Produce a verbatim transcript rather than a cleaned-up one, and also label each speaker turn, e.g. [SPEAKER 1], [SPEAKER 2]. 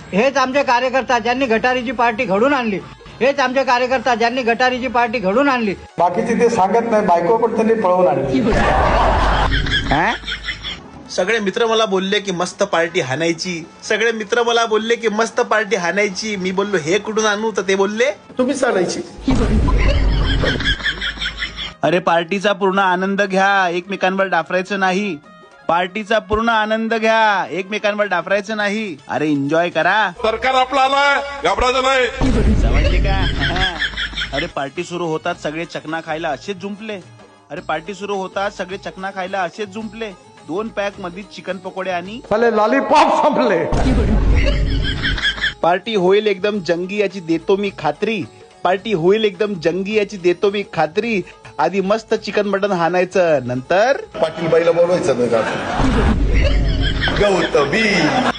[SPEAKER 1] हेच आमचे कार्यकर्ता ज्यांनी गटारीची पार्टी घडून आणली, हेच आमचे कार्यकर्ता ज्यांनी गटारीची पार्टी घडून आणली.
[SPEAKER 2] बाकीचे ते सांगत नाही, बायको पण त्यांनी पळवून आणली.
[SPEAKER 3] सगळे मित्र मला बोलले की मस्त पार्टी हाणायची, सगळे मित्र मला बोलले की मस्त पार्टी हाणायची. मी बोललो हे कुठून आणू, तर ते बोलले
[SPEAKER 2] तुम्हीच आणायची.
[SPEAKER 3] अरे पार्टीचा पूर्ण आनंद घ्या, एकमेकांवर डाफरायचं नाही. पार्टीचा पूर्ण आनंद घ्या, एकमेकांवर डाफरायचं नाही. अरे एन्जॉय करा.
[SPEAKER 4] सरकार आपलं आलंय, घाबरायचं नाही.
[SPEAKER 3] समजले का? अरे पार्टी सुरू होतात सगळे चकना खायला असेच जुंपले. अरे पार्टी सुरू होतात सगळे चकना खायला असेच जुंपले. दोन पॅक मध्ये चिकन पकोडे आणि
[SPEAKER 2] लॉलीपॉप संपले.
[SPEAKER 3] पार्टी होईल एकदम जंगी याची देतो मी खात्री. पार्टी होईल एकदम जंगी याची देतो मी खात्री. आधी मस्त चिकन मटन हाणायचं, नंतर
[SPEAKER 4] पाटील बाईला बोलवायचं. गौतमी